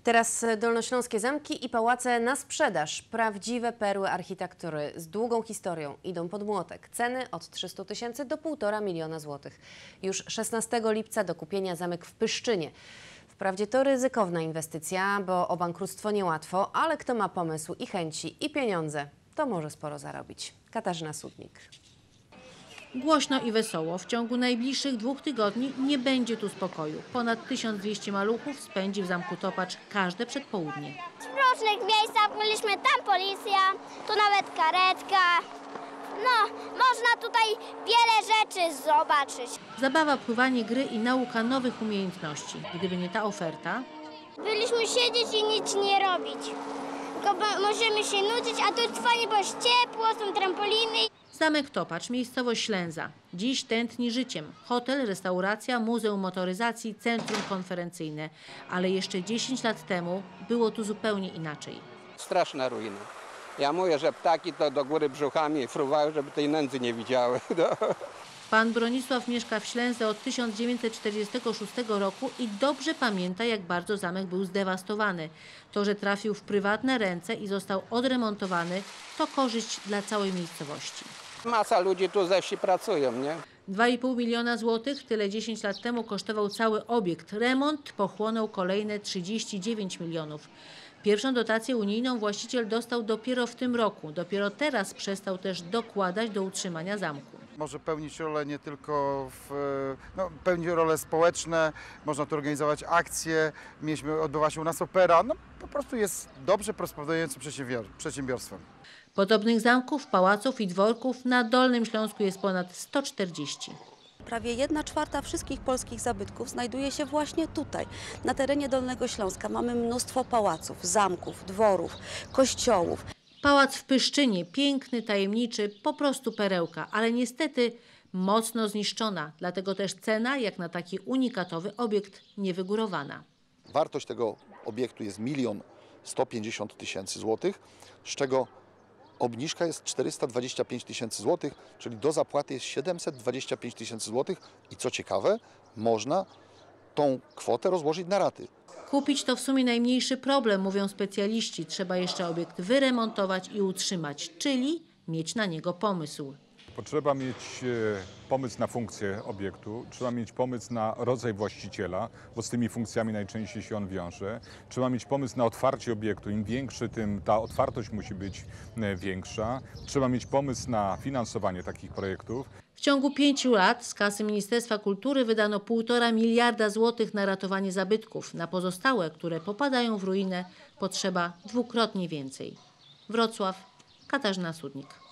Teraz dolnośląskie zamki i pałace na sprzedaż. Prawdziwe perły architektury z długą historią idą pod młotek. Ceny od 300 000 do 1,5 miliona złotych. Już 16 lipca do kupienia zamek w Pyszczynie. Wprawdzie to ryzykowna inwestycja, bo o bankructwo niełatwo, ale kto ma pomysł i chęci i pieniądze, to może sporo zarobić. Katarzyna Sudnik. Głośno i wesoło. W ciągu najbliższych 2 tygodni nie będzie tu spokoju. Ponad 1200 maluchów spędzi w Zamku Topacz każde przedpołudnie. W różnych miejscach byliśmy, tam policja, tu nawet karetka. No, można tutaj wiele rzeczy zobaczyć. Zabawa, pływanie, gry i nauka nowych umiejętności. Gdyby nie ta oferta, Byliśmy siedzieć i nic nie robić. Tylko możemy się nudzić, a tu jest fajnie, bo jest ciepło, są trampoliny. Zamek Topacz, miejscowość Ślęza. Dziś tętni życiem. Hotel, restauracja, muzeum motoryzacji, centrum konferencyjne. Ale jeszcze 10 lat temu było tu zupełnie inaczej. Straszna ruina. Ja mówię, że ptaki to do góry brzuchami fruwały, żeby tej nędzy nie widziały. No. Pan Bronisław mieszka w Ślęze od 1946 roku i dobrze pamięta, jak bardzo zamek był zdewastowany. To, że trafił w prywatne ręce i został odremontowany, to korzyść dla całej miejscowości. Masa ludzi tu ze wsi pracują, nie? 2,5 miliona złotych, tyle 10 lat temu kosztował cały obiekt. Remont pochłonął kolejne 39 milionów. Pierwszą dotację unijną właściciel dostał dopiero w tym roku. Dopiero teraz przestał też dokładać do utrzymania zamku. Może pełnić rolę nie tylko pełni role społeczne, można tu organizować akcje, odbywa się u nas opera. No, po prostu jest dobrze prosperującym przedsiębiorstwem. Podobnych zamków, pałaców i dworków na Dolnym Śląsku jest ponad 140. Prawie 1/4 wszystkich polskich zabytków znajduje się właśnie tutaj, na terenie Dolnego Śląska. Mamy mnóstwo pałaców, zamków, dworów, kościołów. Pałac w Pyszczynie, piękny, tajemniczy, po prostu perełka, ale niestety mocno zniszczona. Dlatego też cena, jak na taki unikatowy obiekt, niewygórowana. Wartość tego obiektu jest 1 150 000 złotych, z czego obniżka jest 425 000 złotych, czyli do zapłaty jest 725 000 złotych i co ciekawe, można tą kwotę rozłożyć na raty. Kupić to w sumie najmniejszy problem, mówią specjaliści. Trzeba jeszcze obiekt wyremontować i utrzymać, czyli mieć na niego pomysł. Potrzeba mieć pomysł na funkcję obiektu, trzeba mieć pomysł na rodzaj właściciela, bo z tymi funkcjami najczęściej się on wiąże. Trzeba mieć pomysł na otwarcie obiektu, im większy, tym ta otwartość musi być większa. Trzeba mieć pomysł na finansowanie takich projektów. W ciągu 5 lat z kasy Ministerstwa Kultury wydano 1,5 miliarda złotych na ratowanie zabytków. Na pozostałe, które popadają w ruinę, potrzeba dwukrotnie więcej. Wrocław, Katarzyna Sudnik.